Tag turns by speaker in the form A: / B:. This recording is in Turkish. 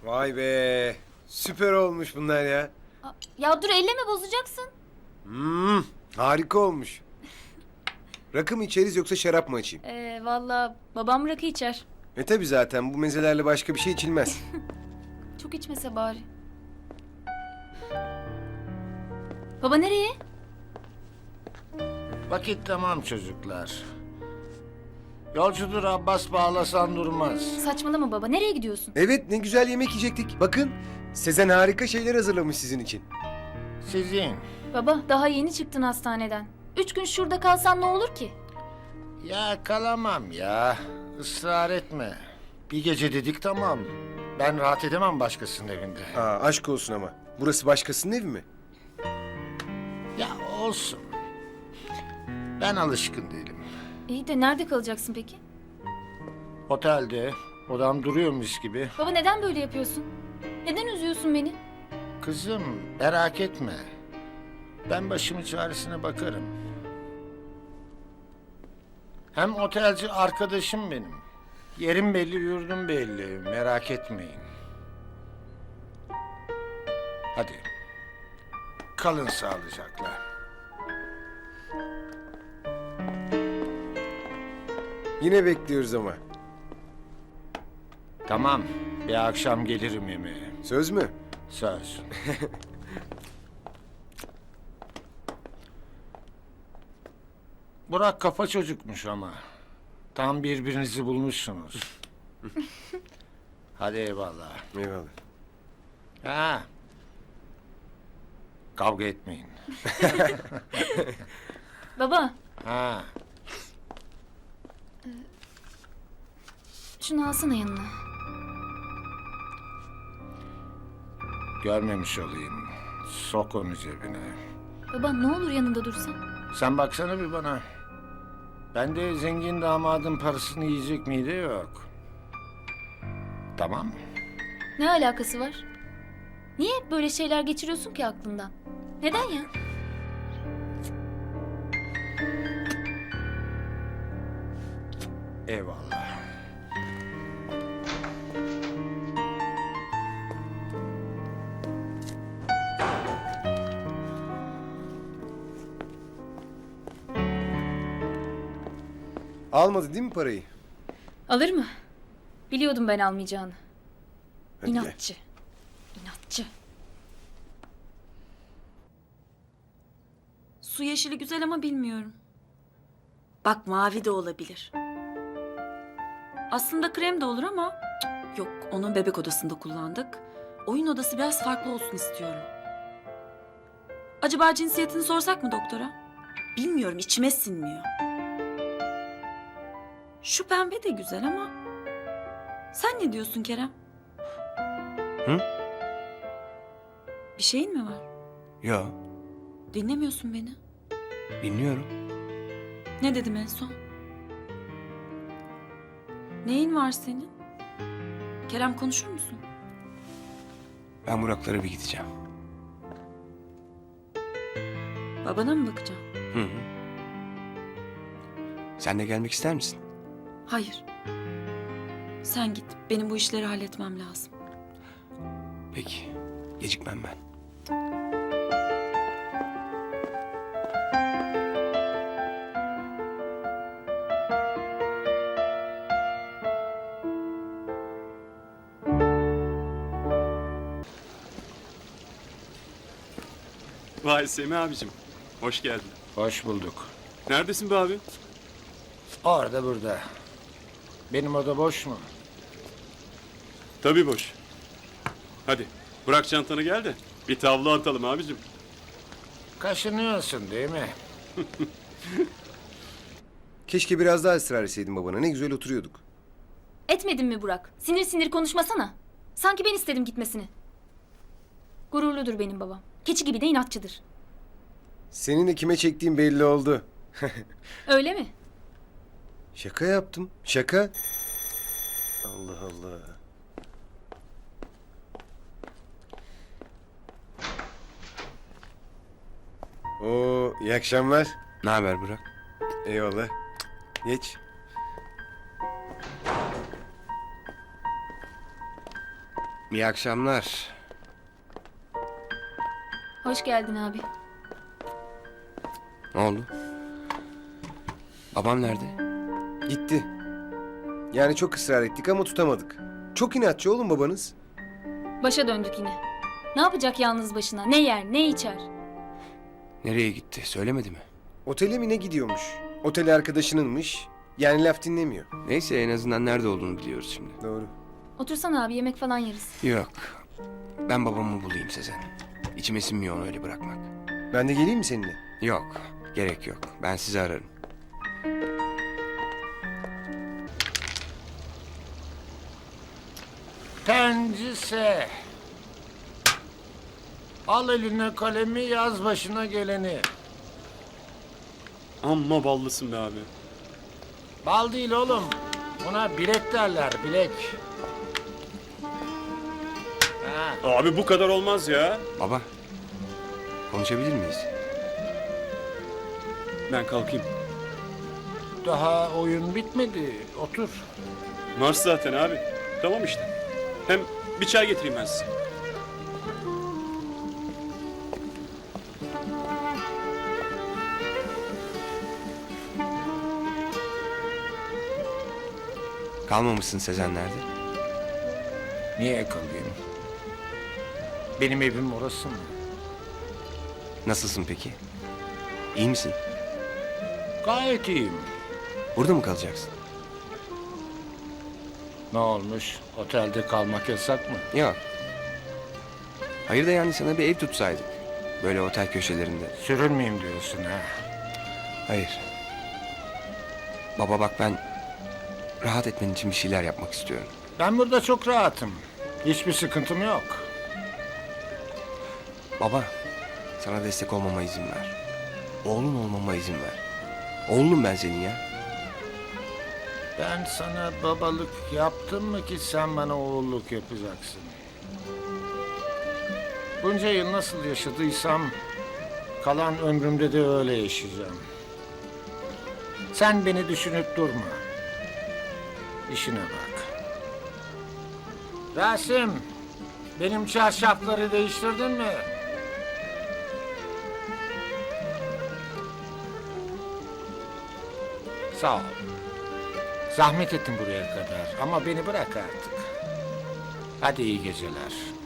A: Vay be. Süper olmuş bunlar ya.
B: Ya dur elleme bozacaksın.
A: Harika olmuş. Rakı mı içeriz yoksa şarap mı açayım?
B: Valla babam rakı içer.
A: Tabi zaten bu mezelerle başka bir şey içilmez.
B: Çok içmese bari. Baba nereye?
C: Vakit tamam çocuklar. Yolcudur Abbas bağlasan durmaz.
B: Saçmalama baba, nereye gidiyorsun?
A: Evet, ne güzel yemek yiyecektik. Bakın, Sezen harika şeyler hazırlamış sizin için.
C: Sizin.
B: Baba daha yeni çıktın hastaneden. 3 gün şurada kalsan ne olur ki?
C: Ya kalamam ya. Israr etme. Bir gece dedik tamam. Ben rahat edemem başkasının evinde.
A: Aşk olsun ama. Burası başkasının evi mi?
C: Ya olsun. Ben alışkın değilim.
B: İyi de nerede kalacaksın peki?
C: Otelde odam duruyormuş gibi.
B: Baba neden böyle yapıyorsun? Neden üzüyorsun beni?
C: Kızım merak etme. Ben başımın çaresine bakarım. Hem otelci arkadaşım benim. Yerim belli, yurdum belli. Merak etmeyin. Hadi. Kalın sağlıcakla.
A: Yine bekliyoruz ama.
C: Tamam. Bir akşam gelirim yemeğe.
A: Söz mü?
C: Söz. Burak kafa çocukmuş ama. Tam birbirinizi bulmuşsunuz. Hadi eyvallah.
A: Eyvallah.
C: Ha. Kavga etmeyin.
B: Baba
C: Ha.
B: şunu alsana yanına.
C: Görmemiş olayım. Sok onu cebine.
B: Baba ne olur yanında dursan.
C: Sen baksana bir bana. Ben de zengin damadın parasını yiyecek miydi yok. Tamam mı?
B: Ne alakası var? Niye hep böyle şeyler geçiriyorsun ki aklından? Neden ya?
C: Eyvallah.
A: Almadı değil mi parayı?
B: Alır mı? Biliyordum ben almayacağını.
A: Hadi gel.
B: İnatçı. İnatçı.
D: Su yeşili güzel ama bilmiyorum. Bak mavi de olabilir. Aslında krem de olur ama yok, onu bebek odasında kullandık. Oyun odası biraz farklı olsun istiyorum. Acaba cinsiyetini sorsak mı doktora? Bilmiyorum, içime sinmiyor. Şu pembe de güzel ama sen ne diyorsun Kerem?
E: Hı?
D: Bir şeyin mi var?
E: Yo,
D: Dinlemiyorsun beni.
E: dinliyorum.
D: Ne dedim en son? Neyin var senin? Kerem konuşur musun?
E: Ben Burak'lara bir gideceğim.
D: Babana mı bakacaksın?
E: Hı hı. Sen de gelmek ister misin?
D: Hayır. Sen git. Benim bu işleri halletmem lazım.
E: Peki, gecikmem ben.
F: Vay Semih abicim. Hoş geldin.
C: Hoş bulduk.
F: Neredesin be abi?
C: Orada burada. Benim oda boş mu?
F: Tabii boş. Hadi bırak çantanı gel de bir tavla atalım abicim.
C: Kaşınıyorsun değil mi?
A: Keşke biraz daha ısrar etseydin babana. Ne güzel oturuyorduk.
B: Etmedin mi Burak? Sinir sinir konuşmasana. Sanki ben istedim gitmesini. Gururludur benim babam. Keçi gibi de inatçıdır.
A: Seninle kime çektiğim belli oldu.
B: Öyle mi?
A: Şaka yaptım. Şaka. Allah Allah. Oo, iyi akşamlar.
E: Ne haber Burak?
A: Eyvallah. Geç.
E: İyi akşamlar.
B: Hoş geldin abi.
E: Ne oldu? Babam nerede?
A: Gitti. Yani çok ısrar ettik ama tutamadık. Çok inatçı oğlum babanız.
B: Başa döndük yine. Ne yapacak yalnız başına? Ne yer, ne içer?
E: Nereye gitti? Söylemedi mi?
A: Otele mi ne gidiyormuş? Oteli arkadaşınınmış. Yani laf dinlemiyor.
E: Neyse en azından nerede olduğunu biliyoruz şimdi.
A: Doğru.
B: Otursana abi, yemek falan yeriz.
E: Yok. Ben babamı bulayım Sezen. İçime sinmiyor onu öyle bırakmak.
A: Ben de geleyim mi seninle?
E: Yok. Gerek yok. Ben sizi ararım.
C: Tencise. Al eline kalemi, yaz başına geleni.
F: Amma ballısın be abi.
C: Bal değil oğlum. Buna bilek derler, bilek. Ha,
F: Abi bu kadar olmaz ya.
E: Baba. Konuşabilir miyiz?
F: Ben kalkayım.
C: daha oyun bitmedi. Otur.
F: Mars zaten abi. Tamam işte. Hem bir çay getireyim ben size.
E: Kalmamışsın Sezen nerede?
C: Niye kalayım? Benim evim orası mı?
E: Nasılsın peki? İyi misin?
C: Gayet iyiyim.
E: Burada mı kalacaksın?
C: Ne olmuş? Otelde kalmak yasak mı?
E: Yok. Hayır da yani sana bir ev tutsaydık. Böyle otel köşelerinde.
C: Sürünmeyeyim diyorsun ha?
E: Hayır. Baba bak ben rahat etmen için bir şeyler yapmak istiyorum.
C: Ben burada çok rahatım. Hiçbir sıkıntım yok.
E: Baba sana destek olmama izin ver. Oğlun olmama izin ver. Oğlum ben senin ya.
C: Ben sana babalık yaptım mı ki sen bana oğulluk yapacaksın? Bunca yıl nasıl yaşadıysam kalan ömrümde de öyle yaşayacağım. Sen beni düşünüp durma. İşine bak. Rasim, benim çarşafları değiştirdin mi? Sağ ol. Zahmet ettim buraya kadar ama beni bırak artık. Hadi iyi geceler.